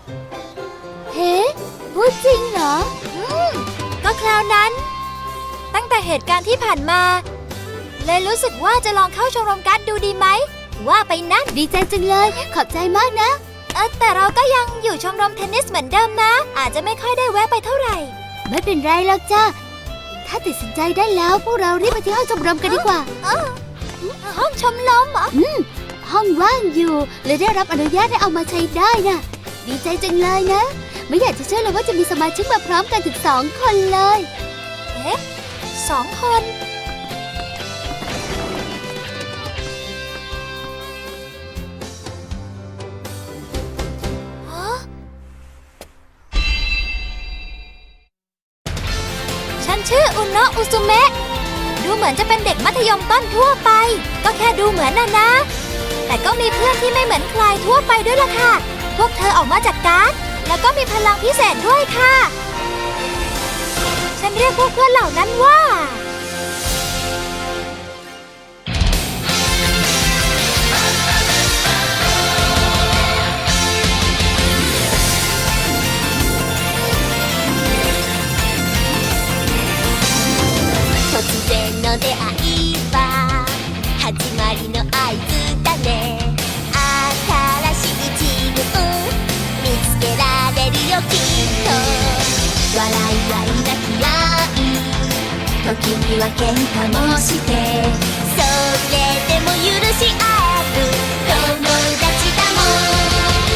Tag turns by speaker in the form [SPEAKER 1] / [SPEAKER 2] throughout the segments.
[SPEAKER 1] เฮ้พูดจริงเหรอ
[SPEAKER 2] ก็คราวนั้นตั้งแต่เหตุการณ์ที่ผ่านมาเลยรู้สึกว่าจะลองเข้าชมรมการ์ดดูดีไหมว่าไปนั่น
[SPEAKER 1] ดีใจจังเลยขอบใจมากนะ
[SPEAKER 2] แต่เราก็ยังอยู่ชมรมเทนนิสเหมือนเดิมนะอาจจะไม่ค่อยได้แวะไปเท่าไหร่
[SPEAKER 1] ไม่เป็นไรหรอกจ้าถ้าตัดสินใจได้แล้วพวกเรารีบไปที่ห้องชมรมกันดีกว่า
[SPEAKER 2] ห้องชมรมเหรอ
[SPEAKER 1] ห้องว่างอยู่เลยได้รับอนุญาตให้เอามาใช้ได้นะดีใจจังเลยนะไม่อยากจะเชื่อเลยว่าจะมีสมาชิกมาพร้อมกันถึง2 คนเลย
[SPEAKER 2] 2 คนฉันชื่ออุโนะอุซุเมะดูเหมือนจะเป็นเด็กมัธยมต้นทั่วไปก็แค่ดูเหมือนนะแต่ก็มีเพื่อนที่ไม่เหมือนใครทั่วไปด้วยล่ะค่ะพวกเธอออกมาจากการ์ดแล้วก็มีพลังพิเศษด้วยค่ะฉันเรียกพวกเพื่อนเหล่านั้นว่า
[SPEAKER 3] 突然の出会いは始まりの合図だね新しい自分見つけられるよきっと笑い合い泣き合い時には喧嘩もしてそれでも許し合う友達だもん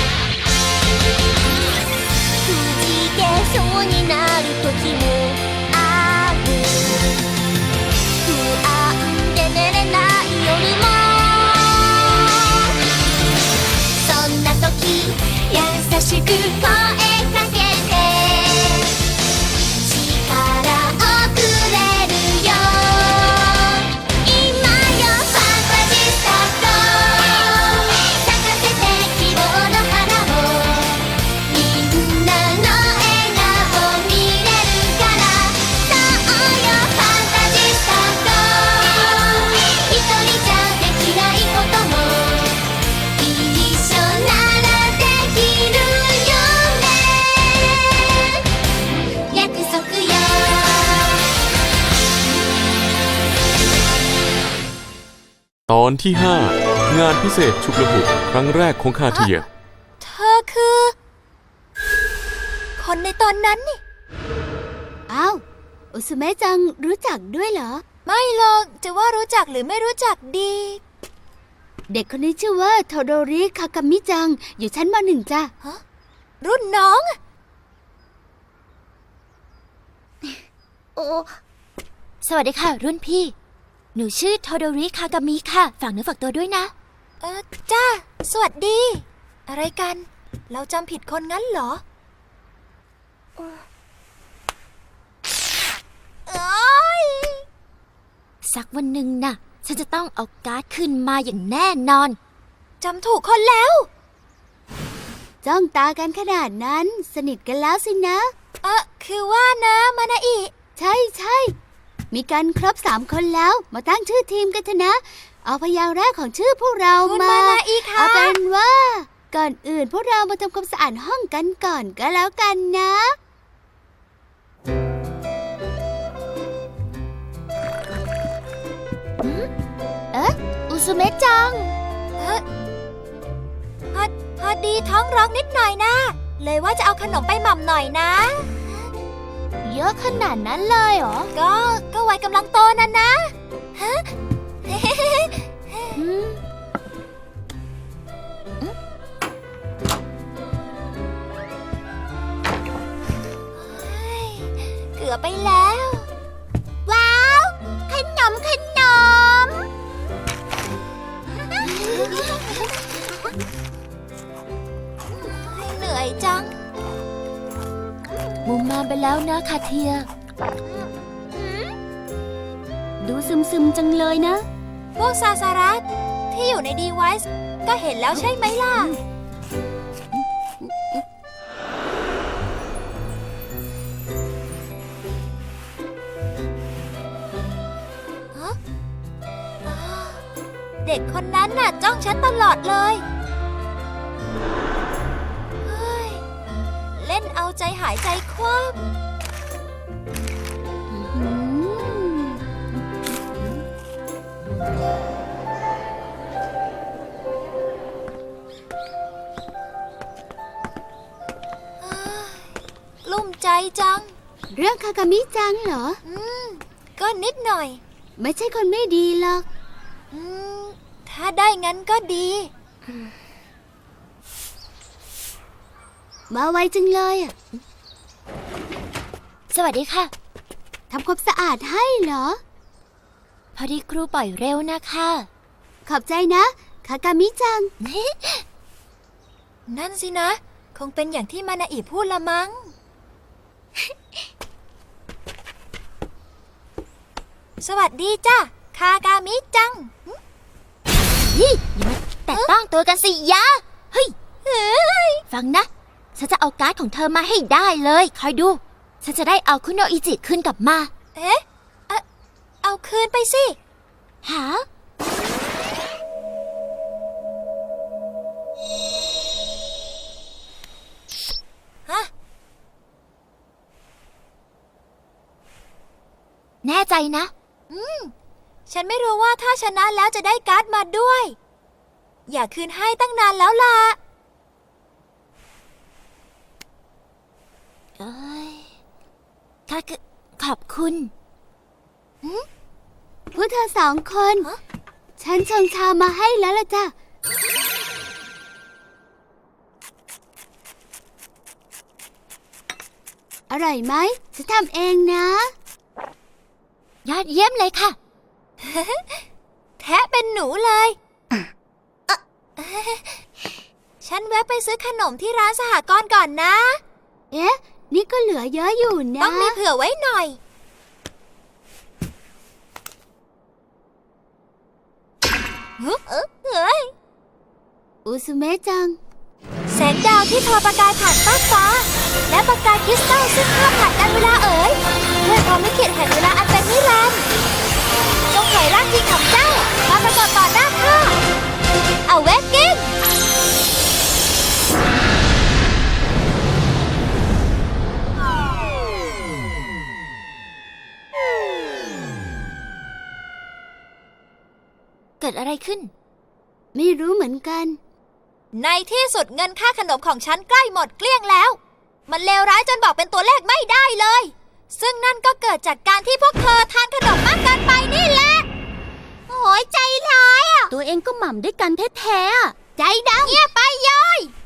[SPEAKER 3] くじけそうになる時もある不安で寝れない夜もそんな時優しく声かけて力をくれるよ今よファンタジスタと咲かせて希望の花をみんなの笑顔見れるからそうよファンタジスタと一人じゃできないことも一緒ならできるよね約束よ
[SPEAKER 4] ตอนที่ 5 งานพิเศษฉุกละหุกครั้งแรกของคาเทีย
[SPEAKER 2] เธอคือคนในตอนนั้นนี่
[SPEAKER 1] อ้าวอุซุเมะจังรู้จักด้วยเหรอ
[SPEAKER 2] ไม่หรอกจะว่ารู้จักหรือไม่รู้จักดี
[SPEAKER 1] เด็กคนนี้ชื่อว่าโทโดริคากามิจังอยู่ชั้นม.1 จ้ะ
[SPEAKER 2] รุ่นน้อง
[SPEAKER 1] โอ้
[SPEAKER 2] สวัสดีค่ะรุ่นพี่หนูชื่อโทโดริคากามิค่ะฝากเนื้อฝากตัวด้วยนะจ้าสวัสดีอะไรกันเราจำผิดคนงั้นเหรอสักวันหนึ่งน่ะฉันจะต้องเอาการ์ดขึ้นมาอย่างแน่นอนจำถูกคนแล้ว
[SPEAKER 1] จ้องตากันขนาดนั้นสนิทกันแล้วสินะ
[SPEAKER 2] คือว่านะมานาอิ
[SPEAKER 1] ใช่มีกันครบ3 คนแล้วมาตั้งชื่อทีมกันเถอะนะเอาพยางค์แรกของชื่อพวกเรา
[SPEAKER 2] คุณมานาอิค่ะ
[SPEAKER 1] เอาเป็นว่าก่อนอื่นพวกเรามาทำความสะอาดห้องกันก่อนก็แล้วกันนะ
[SPEAKER 2] อุซุเมะจังพอดีท้องร้องนิดหน่อยนะเลยว่าจะเอาขนมไปหม่ำหน่อยนะ
[SPEAKER 1] เยอะขนาดนั้นเลยเหรอ
[SPEAKER 2] ก็วัยกำลังโตนั่นนะฮะเกือบไปแล้ว
[SPEAKER 3] ว้าวขนม
[SPEAKER 2] เหนื่อยจัง
[SPEAKER 1] มุมมาไปแล้วนะคาเทียดูซึมๆจังเลยนะ
[SPEAKER 2] พวกซาซารัสที่อยู่ในดีไวซ์ก็เห็นแล้วใช่ไหมล่ะ เด็กคนนั้นน่ะจ้องฉันตลอดเลยเฮ้ยนเอาใจหายใจคว่ำ กลุ้มใจจัง
[SPEAKER 1] เรื่องคากามิจังเหรอ
[SPEAKER 2] ก็นิดหน่อย
[SPEAKER 1] ไม่ใช่คนไม่ดีหรอก
[SPEAKER 2] ถ้าได้งั้นก็ดี
[SPEAKER 1] มาไวจังเลยอะ
[SPEAKER 2] สวัสดีค่ะ
[SPEAKER 1] ทำความสะอาดให้เหรอ
[SPEAKER 2] พอดีครูปล่อยเร็วนะคะ
[SPEAKER 1] ขอบใจนะคากามิจัง
[SPEAKER 2] นั่นสินะ คงเป็นอย่างที่มานาอิพูดละมั้ง สวัสดีจ้ะคากามิจัง
[SPEAKER 3] นี่อย่ามาแตะต้องตัวกันสิยะ เฮ้ย ฟังนะ ฉันจะเอาการ์ดของเธอมาให้ได้เลย คอยดู ฉันจะได้เอาคุโนอิจิคืนกลับมา
[SPEAKER 2] เอ๊ะ เอาคืนไปสิ
[SPEAKER 3] หา
[SPEAKER 2] ฮะ
[SPEAKER 3] แน่ใจนะ
[SPEAKER 2] ฉันไม่รู้ว่าถ้าชนะแล้วจะได้การ์ดมาด้วย อยากคืนให้ตั้งนานแล้วล่ะ
[SPEAKER 3] เอ้ยค่ะขอบคุณ
[SPEAKER 1] พวกเธอสองคน ฉันชงชามาให้แล้วล่ะจ้ะ อร่อยไหมฉันทำเองนะ
[SPEAKER 3] ยอดเยี่ยมเลยค่ะ
[SPEAKER 2] แทะเป็นหนูเลยฉันแวะไปซื้อขนมที่ร้านสหกรณ์ก่อนนะ
[SPEAKER 1] เอ๊ะ นี่ก็เหลือเยอะอยู่นะ
[SPEAKER 2] ต้องมีเผื่อไว้หน่อย เฮ้ย
[SPEAKER 1] อุซุเมะจัง
[SPEAKER 2] แสงดาวที่ทอประกายผ่านฟ้ากฟ้า และประกายคริสตัลซึ่งข้ามผ่านการเวลาเอ๋ยด้วยความลิขิตแห่งเวลาอันเป็นนิรันดร์จงเผยร่างจริงของเจ้ามาปรากฏต่อหน้าข้าเอาเวกกิ้ง
[SPEAKER 3] เกิดอะไรขึ้น
[SPEAKER 1] ไม่รู้เหมือนกัน
[SPEAKER 2] ในที่สุดเงินค่าขนมของฉันใกล้หมดเกลี้ยงแล้ว มันเลวร้ายจนบอกเป็นตัวเลขไม่ได้เลย ซึ่งนั่นก็เกิดจากการที่พวกเธอทานขนมมากเกินไปนี่แหละ
[SPEAKER 3] โอ้ยใจร้ายอ่ะ ตัวเองก็หม่ำด้วยกันแท้ๆอ่ะ
[SPEAKER 1] ใจด
[SPEAKER 2] เงียบไปย้อย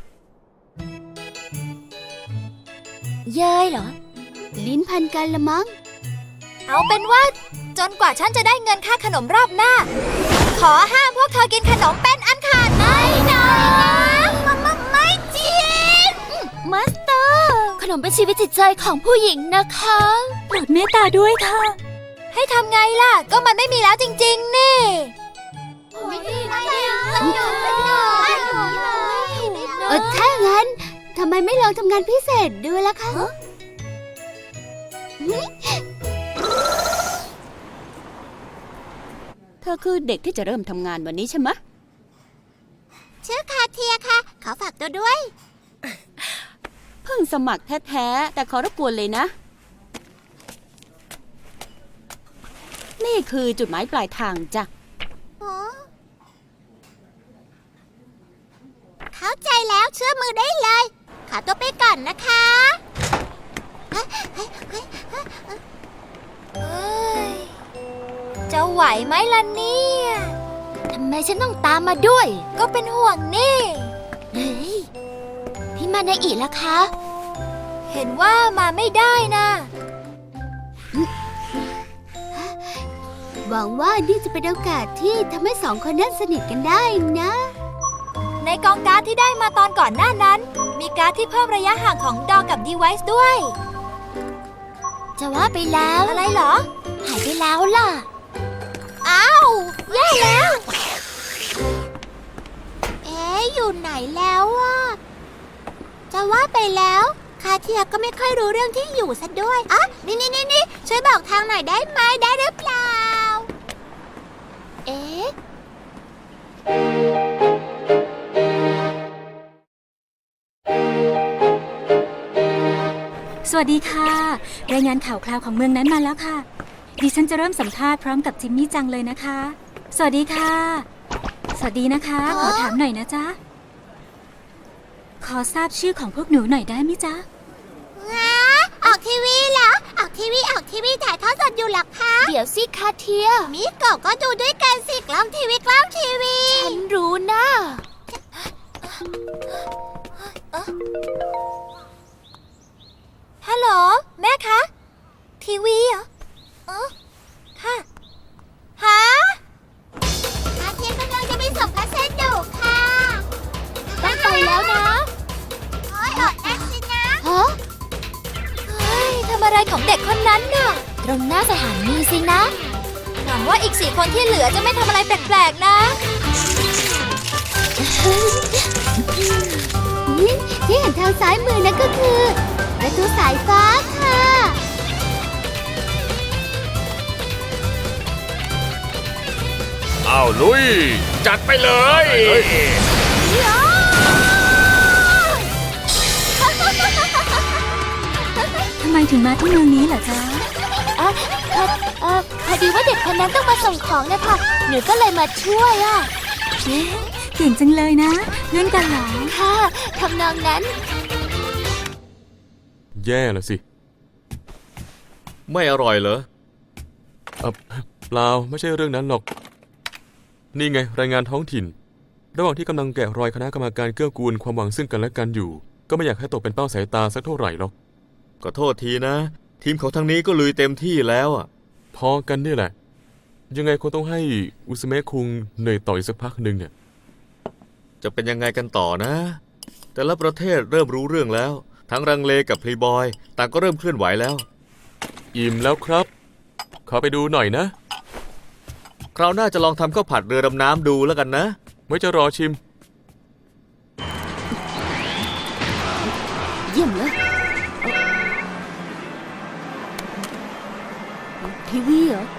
[SPEAKER 3] เย้ยเหรอ
[SPEAKER 1] ำลิ้นพันกันละมั้ง
[SPEAKER 2] เอาเป็นว่าจนกว่าฉันจะได้เงินค่าขนมรอบหน้า ขอห้ามพวกเธอกินขนมเป็นอันขาดไม่นะไม่จริง
[SPEAKER 3] มาสเตอร์ ขนมเป็นชีวิตจิตใจของผู้หญิงนะคะโปรดเมตตาด้วยค่ะ
[SPEAKER 2] ให้ทำไงล่ะ ก็มันไม่มีแล้วจริงๆ นี่
[SPEAKER 1] ถ้างั้นทำไมไม่ลองทำงานพิเศษดูล่ะคะ
[SPEAKER 5] เธอคือเด็กที่จะเริ่มทำงานวันนี้ใช่ไหมะ
[SPEAKER 3] ชื่อคาเทียค่ะ ขอฝากตัวด้วย
[SPEAKER 5] เพิ่งสมัครแท้ๆ แต่ขอรบกวนเลยนะ นี่คือจุดหมายปลายทางจ้ะ
[SPEAKER 3] เข้าใจแล้วเชื่อมือได้เลย ขอตัวไปก่อนนะคะ
[SPEAKER 2] เอ้ย จะไหวไหมล่ะเนี่ย
[SPEAKER 3] ทำไมฉันต้องตามมาด้วย
[SPEAKER 2] ก็เป็นห่วงนี่
[SPEAKER 3] เฮ้ย พี่มานาอิล่ะคะ
[SPEAKER 2] เห็นว่ามาไม่ได้นะ
[SPEAKER 1] หวังว่านี่จะเป็นโอกาสที่ทำให้สองคนนั้นสนิทกันได้นะ
[SPEAKER 2] ในกองการ์ดที่ได้มาตอนก่อนหน้านั้น มีการ์ดที่เพิ่มระยะห่างของดอกับดีไวซ์ด้วย
[SPEAKER 3] จะว่าไปแล้ว
[SPEAKER 2] อะไรเหรอ
[SPEAKER 3] หายไปแล้วล่ะ
[SPEAKER 2] อ้าวแย่แล้ว
[SPEAKER 3] เอ๊ะ อยู่ไหนแล้วอ่ะ จะว่าไปแล้ว คาเทียก็ไม่ค่อยรู้เรื่องที่อยู่ซะด้วยอ่ะนี่ช่วยบอกทางหน่อยได้ไหมได้หรือเปล่า เอ๊ะ
[SPEAKER 6] วัสดีค่ะ รายงานข่าวคราวของเมืองนั้นมาแล้วค่ะ ดิฉันจะเริ่มสัมภาษณ์พร้อมกับจิมมี่จังเลยนะคะ สวัสดีค่ะ สวัสดีนะคะ ขอถามหน่อยนะจ๊ะ ขอทราบชื่อของพวกหนูหน่อยได้ไหมจ๊ะ
[SPEAKER 3] ออกทีวีเหรอ ออกทีวีถ่ายทอดสดอยู่หรอคะ
[SPEAKER 1] เดี๋ยวสิคาเทีย
[SPEAKER 3] มิโกะก็ดูด้วยกันสิกล้องทีวี
[SPEAKER 1] ฉันรู้นะ
[SPEAKER 2] ฮัลโหล แม่คะ ทีวีเหรอค่ะฮะ
[SPEAKER 3] คาเทียกำลังจะไปส่งพัสดุค่ะ
[SPEAKER 1] ต้องไปแล้วนะ
[SPEAKER 3] โอ้ยอดแอคสินะ
[SPEAKER 1] ฮะ
[SPEAKER 2] เฮ้ยทำอะไรของเด็กคนนั้นน่ะ
[SPEAKER 1] ตรงหน้าสถานีสินะ
[SPEAKER 2] หวังว่าอีก4 คนที่เหลือจะไม่ทำอะไรแปลกๆนะ
[SPEAKER 1] ที่เห็นทางซ้ายมือนั่นก็คือประตูสายฟ้าค่ะ
[SPEAKER 7] อ้าวลุย จัดไปเลย
[SPEAKER 6] ทำไมถึงมาที่เมืองนี้เหรอจ๊ะ
[SPEAKER 1] พอดีว่าเด็กคนนั้นต้องมาส่งของนะคะ หนูก็เลยมาช่วยอ่ะ
[SPEAKER 6] เย้เก่งจังเลยนะ เพื่อนกันเหรอ
[SPEAKER 1] ค่ะทำนองนั้น
[SPEAKER 4] แย่ละสิ
[SPEAKER 7] ไม่อร่อยเหรอ
[SPEAKER 4] เปล่าไม่ใช่เรื่องนั้นหรอก นี่ไงรายงานท้องถิ่น ระหว่างที่กำลังแกะรอยคณะกรรมการเกื้อกูลความหวังซึ่งกันและกันอยู่ ก็ไม่อยากให้ตกเป็นเป้าสายตาสักเท่าไหร่หรอก
[SPEAKER 7] ก็โทษทีนะ ทีมของทางนี้ก็ลุยเต็มที่แล้วอ่ะ
[SPEAKER 4] พอกันนี่แหละ ยังไงคงต้องให้อุสเมะคุงเหนื่อยต่ออีกสักพักหนึ่งเนี่ย
[SPEAKER 7] จะเป็นยังไงกันต่อนะ แต่ละประเทศเริ่มรู้เรื่องแล้ว ทั้งรังเลกับพลีบอยต่างก็เริ่มเคลื่อนไหวแล้ว
[SPEAKER 4] อิ่มแล้วครับ ขอไปดูหน่อยนะ
[SPEAKER 7] คราวหน้าจะลองทำข้าวผัดเรือดำน้ำดูแล้วกันนะ
[SPEAKER 4] ไว้จะรอชิม
[SPEAKER 5] เยี่ยมเลยทีวีเหรอ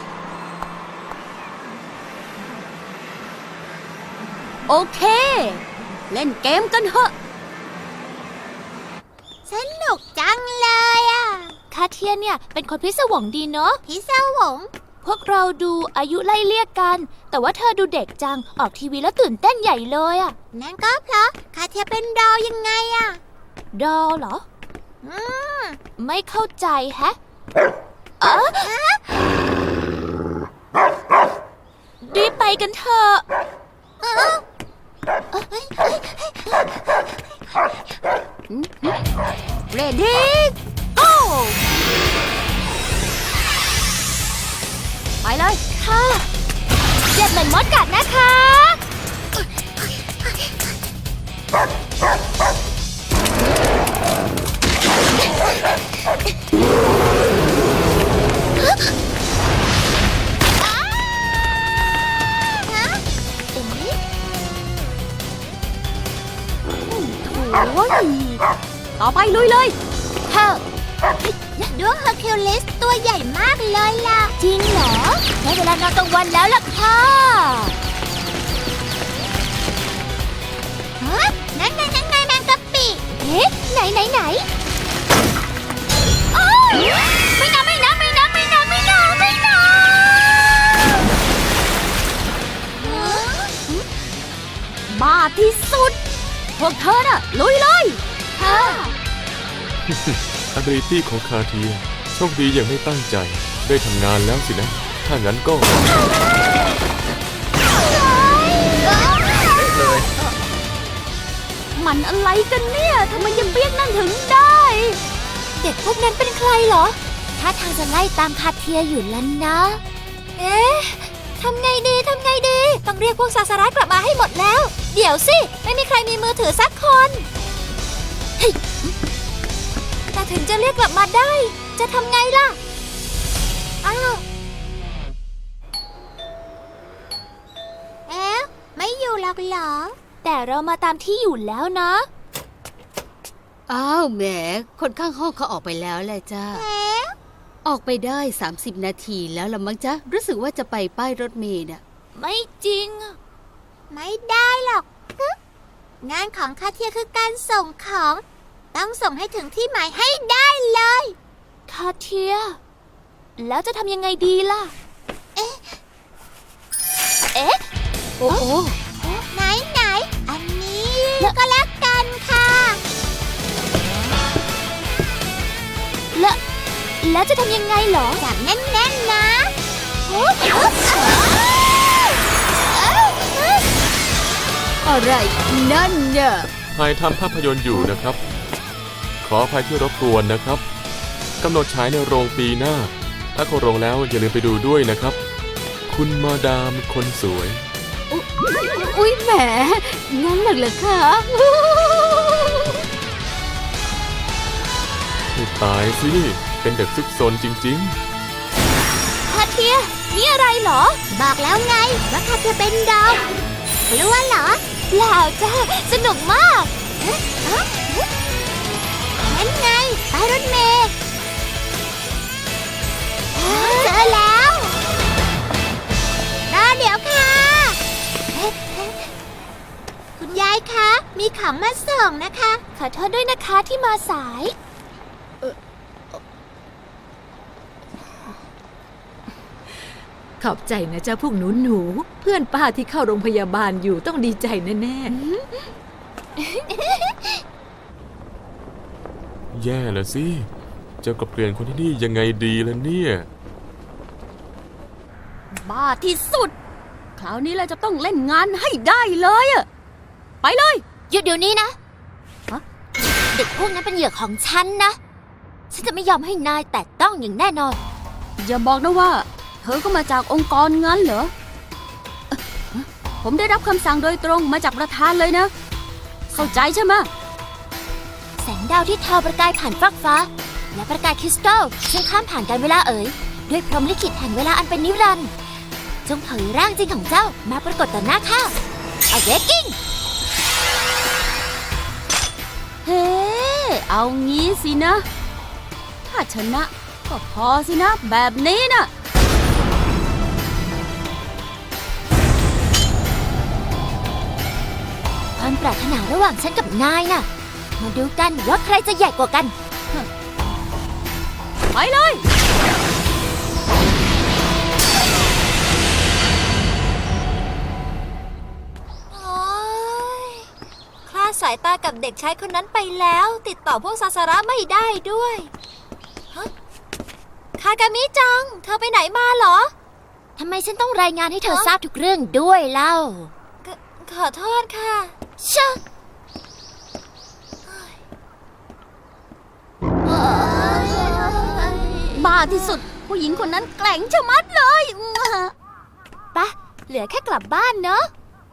[SPEAKER 5] โอเค เล่นเกมกันเถอะ
[SPEAKER 3] สนุกจังเลยอ่ะ
[SPEAKER 1] คาเทียเนี่ยเป็นคนพิศวงดีเนาะ
[SPEAKER 3] พี่สาวง
[SPEAKER 1] พวกเราดูอายุไล่เลี่ยกัน แต่ว่าเธอดูเด็กจัง ออกทีวีแล้วตื่นเต้นใหญ่เลยอะ
[SPEAKER 3] นั่นก็เพราะคาเทียเป็นดาวยังไงอ่ะ
[SPEAKER 1] ดอลเหรอ
[SPEAKER 3] อืม
[SPEAKER 1] ไม่เข้าใจแฮะรีบไปกันเถอะ
[SPEAKER 5] เรดี้โก้ไปเลย
[SPEAKER 1] ค่ะเจ็บเหมือนมดกัดนะคะ
[SPEAKER 5] โอ้ย ต่อไปลุยเลย
[SPEAKER 1] ค่ะ
[SPEAKER 3] ดวงเฮอร์คิวลิสตัวใหญ่มากเลยล่ะ
[SPEAKER 1] จริงเหรอได้เวลานอนกลางวันแล้วล่ะค่ะ
[SPEAKER 3] ฮะ นั่นไงแมงกะปิ
[SPEAKER 1] เอ๊ะไหนอ้าวไม่นะ
[SPEAKER 5] บ้าที่สุด พวกเธอน่ะ ลุยเลย
[SPEAKER 1] ค่ะ
[SPEAKER 4] ability ของคาเทียโชคดีอย่างไม่ตั้งใจ ได้ทำงานแล้วสินะ ถ้างั้นก็
[SPEAKER 5] มันอะไรกันเนี่ยทำไมยังเปียกนั่นถึงได้
[SPEAKER 1] เด็กพวกนั้นเป็นใครเหรอ ถ้าทางจะไล่ตามคาเทียอยู่แล้วนะ
[SPEAKER 2] เอ๊ะทำไงดี ต้องเรียกพวกซาสาระกลับมาให้หมดแล้ว เดี๋ยวสิ ไม่มีใครมีมือถือสักคนเฮ้ยแต่ถึงจะเรียกกลับมาได้ จะทำไงล่ะ อ้าว
[SPEAKER 3] เอ๊ะ ไม่อยู่หรอกเหรอ
[SPEAKER 1] แต่เรามาตามที่อยู่แล้วนะ
[SPEAKER 5] อ้าวแหม คนข้างห้องเขาออกไปแล้วแหละจ้า
[SPEAKER 3] เอ๊ะ
[SPEAKER 5] ออกไปได้30 นาทีแล้วละมั้งจ๊ะ รู้สึกว่าจะไปป้ายรถเมล์น่ะ
[SPEAKER 1] ไม่จริง
[SPEAKER 3] ไม่ได้หรอกฮึงานของคาเทียคือการส่งของต้องส่งให้ถึงที่หมายให้ได้เลย
[SPEAKER 2] คาเทีย แล้วจะทำยังไงดีล่ะ
[SPEAKER 1] โอ้โห
[SPEAKER 3] ไหนอันนี้ก็แล้วกันค่ะ
[SPEAKER 2] แล้วจะทำยังไงเหรอ
[SPEAKER 3] จับแน่นๆนะ
[SPEAKER 5] อะไรนั่นเนี่ย
[SPEAKER 4] ถ่ายทำภาพยนตร์อยู่นะครับ ขออภัยที่รบกวนนะครับกำหนดฉายในโรงปีหน้า ถ้าเข้าโรงแล้วอย่าลืมไปดูด้วยนะครับ คุณมาดามคนสวย
[SPEAKER 5] อุ๊ยแหม งั้นเหรอคะ
[SPEAKER 4] ให้ตายสิ เป็นเด็กซุกซนจริง
[SPEAKER 2] คาเทีย นี่อะไรเหรอ
[SPEAKER 3] บอกแล้วไงว่าข้าจะเป็นดาวกลัวเหรอ
[SPEAKER 2] เปล่าจ้าสนุกมาก
[SPEAKER 3] นั่นไงป้ายรถเมล์เจอแล้วรอเดี๋ยวค่ะ คุณยายคะ มีของมาส่งนะคะ
[SPEAKER 2] ขอโทษด้วยนะคะที่มาสาย
[SPEAKER 8] ขอบใจนะจ๊ะพวกหนูเพื่อนป้าที่เข้าโรงพยาบาลอยู่ต้องดีใจแน่
[SPEAKER 4] ๆ แย่ละสิ จะกลับเปลี่ยนคนที่นี่ยังไงดีล่ะเนี่ย
[SPEAKER 5] บ้าที่สุด คราวนี้เราจะต้องเล่นงานให้ได้เลยอะไปเลย
[SPEAKER 2] หยุดเดี๋ยวนี้นะ
[SPEAKER 5] ฮะ
[SPEAKER 2] เด็กพวกนั้นเป็นเหยื่อของฉันนะ ฉันจะไม่ยอมให้นายแตะต้องอย่างแน่นอน
[SPEAKER 5] อย่าบอกนะว่า เธอก็มาจากองค์กรงั้นเหรอผมได้รับคำสั่งโดยตรงมาจากประธานเลยนะ เข้าใจใช่ไหม
[SPEAKER 2] แสงดาวที่ทอประกายผ่านฟากฟ้า และประกายคริสตัลซึ่งข้ามผ่านการเวลาเอ๋ยด้วยพรหมลิขิตแห่งเวลาอันเป็นนิรันดร์จงเผยร่างจริงของเจ้ามาปรากฏต่อหน้าข้า Awakening
[SPEAKER 5] เฮ้ เอางี้สินะ ถ้าชนะก็พอสินะ แบบนี้นะ
[SPEAKER 2] ความปรารถนาระหว่างฉันกับนายน่ะ มาดูกันว่าใครจะใหญ่กว่ากัน
[SPEAKER 5] ไปเลย
[SPEAKER 2] โอ๊ยคลาดสายตากับเด็กชายคนนั้นไปแล้ว ติดต่อพวกซาสาระไม่ได้ด้วยฮะคากามิจัง เธอไปไหนมาเหรอ ทำไมฉันต้องรายงานให้เธอทราบทุกเรื่องด้วยเล่า ขอโทษค่ะชะ
[SPEAKER 5] บ้าที่สุด ผู้หญิงคนนั้นแกร่งชะมัดเลย
[SPEAKER 2] ปะเหลือแค่กลับบ้านเนาะ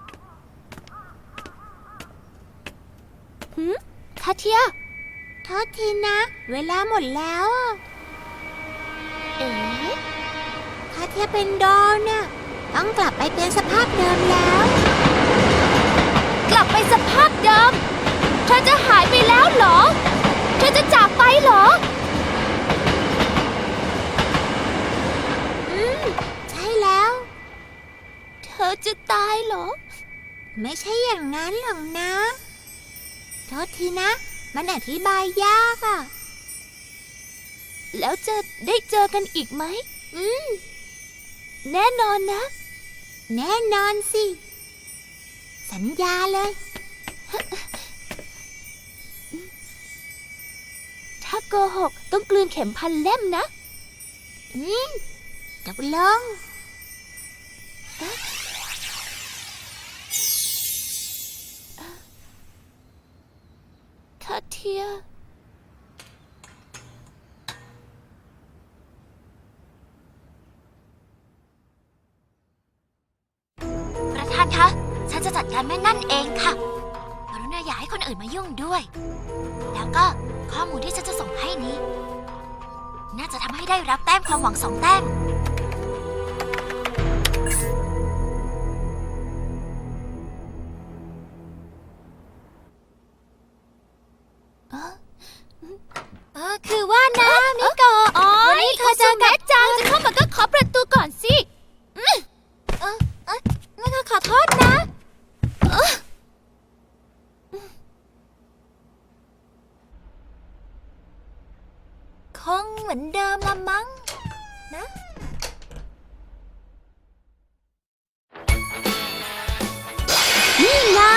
[SPEAKER 2] คาเทีย
[SPEAKER 3] โทษทีนะ เวลาหมดแล้วอะ
[SPEAKER 2] เอ๋
[SPEAKER 3] ถ้าเทียบเป็นดอนน่ะต้องกลับไปเป็นสภาพเดิมแล้ว
[SPEAKER 2] กลับไปสภาพเดิม เธอจะหายไปแล้วเหรอ เธอจะจากไปเหรอ
[SPEAKER 3] ใช่แล้ว
[SPEAKER 2] เธอจะตายเหรอ
[SPEAKER 3] ไม่ใช่อย่างนั้นหรอกนะ โทษทีนะ มันอธิบายยากอ่ะ
[SPEAKER 2] แล้วจะได้เจอกันอีกไหม แน่นอนนะ
[SPEAKER 3] แน่นอนสิ สัญญาเลย
[SPEAKER 2] ถ้าโกหกต้องกลืนเข็มพันเล่มนะ
[SPEAKER 3] ตกลง
[SPEAKER 2] คาเทีย ประธานคะ ฉันจะจัดการแม่นั่นเองค่ะกรุณาอย่าให้คนอื่นมายุ่งด้วย แล้วก็ข้อมูลที่ฉันจะส่งให้นี้ น่าจะทำให้ได้รับแต้มความหวัง2 แต้ม คือว่านะมิโกะวันนี้เธอเจอกับจังจะเข้ามาก็ขอประตูก่อนสิงั้นก็ขอโทษนะคงเหมือนเดิมละมั้งนะ
[SPEAKER 5] นี่ไง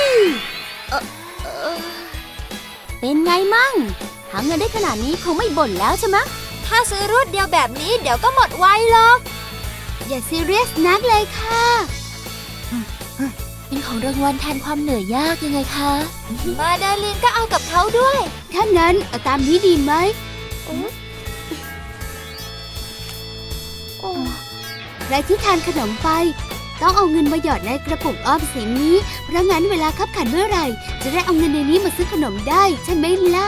[SPEAKER 5] เป็นไงมั่งหาเงินได้ขนาดนี้คงไม่บ่นแล้วใช่ไหมะ
[SPEAKER 2] ถ้าซื้อรวดเดียวแบบนี้เดี๋ยวก็หมดไวหรอก
[SPEAKER 1] อย่าซีเรียสนักเลยค่ะ
[SPEAKER 2] เป็นของรางวัลแทนความเหนื่อยยากยังไงคะ มาดาลินก็เอากับเขาด้วย
[SPEAKER 1] ถ้างั้นเอาตามนี้ดีไหมใครที่ทานขนมไป ต้องเอาเงินมาหยอดในกระปุกออมสินนี้ เพราะงั้นเวลาคับขันเมื่อไหร่ จะได้เอาเงินในนี้มาซื้อขนมได้ใช่ไหมล่ะ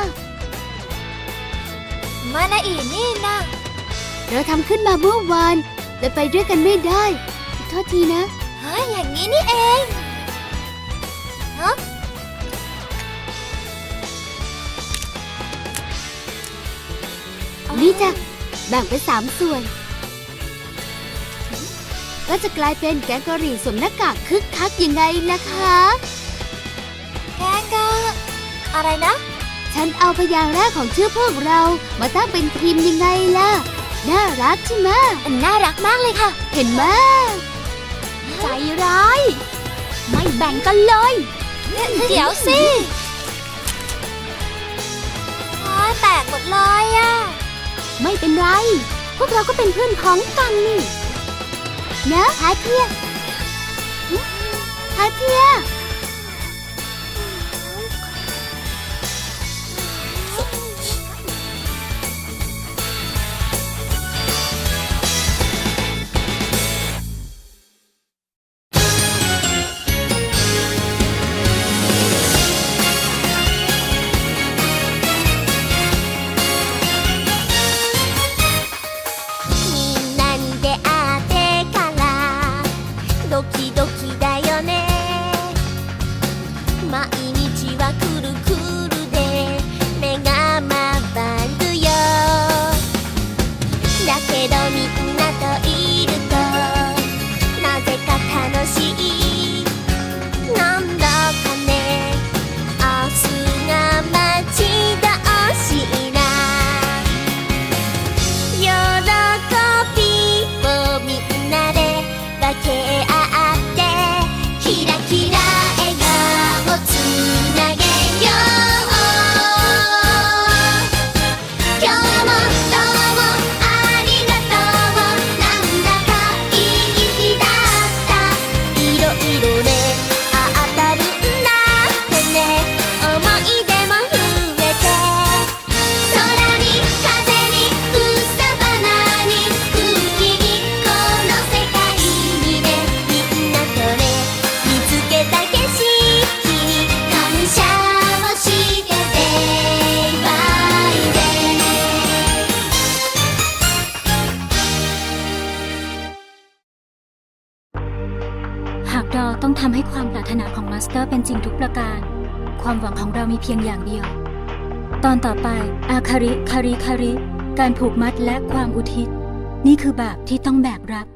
[SPEAKER 2] มานาอีนี่นะ
[SPEAKER 1] เราทำขึ้นมาเมื่อวานแต่ไปด้วยกันไม่ได้โทษทีนะ
[SPEAKER 2] อย่างนี้นี่เองฮะ
[SPEAKER 1] นี่จ้ะแบ่งเป็น3 ส่วน ก็จะกลายเป็นแกงกะหรี่สวมหน้ากากคึกคักยังไงล่ะคะ
[SPEAKER 2] แกงกะอะไรนะ
[SPEAKER 1] ฉันเอาพยางค์แรกของชื่อพวกเรามาตั้งเป็นทีมยังไงล่ะ น่ารักใช่ไหม
[SPEAKER 2] น่ารักมากเลยค่ะ
[SPEAKER 1] เห็นไหม
[SPEAKER 5] ใจร้าย ไม่แบ่งกันเลย
[SPEAKER 2] เดี๋ยวสิแตกหมดเลยอ่ะ
[SPEAKER 5] ไม่เป็นไร พวกเราก็เป็นเพื่อนพ้องกันนี่
[SPEAKER 1] นะฮาเทียฮาเทีย
[SPEAKER 3] みんなに出会ってからドキドキだよね毎日はくるくるで目が回るよだけどみんなといるとなぜか楽しいなんだかね明日が待ち遠しいな喜びをみんなで分け合ってキラキラ笑顔つなげよう今日もどうもありがとうなんだかいい日だったいろいろね当たるんだってね思い出も増えて空に風に草花に空気にこの世界にねみんなとね見つけた景色に感謝をしてデイバイデイ
[SPEAKER 6] หากเราต้องทำให้ความปรารถนาของมาสเตอร์เป็นจริงทุกประการ ความหวังของเรามีเพียงอย่างเดียว ตอนต่อไปอาคาริ การผูกมัดและความอุทิศ นี่คือบาปที่ต้องแบกรับ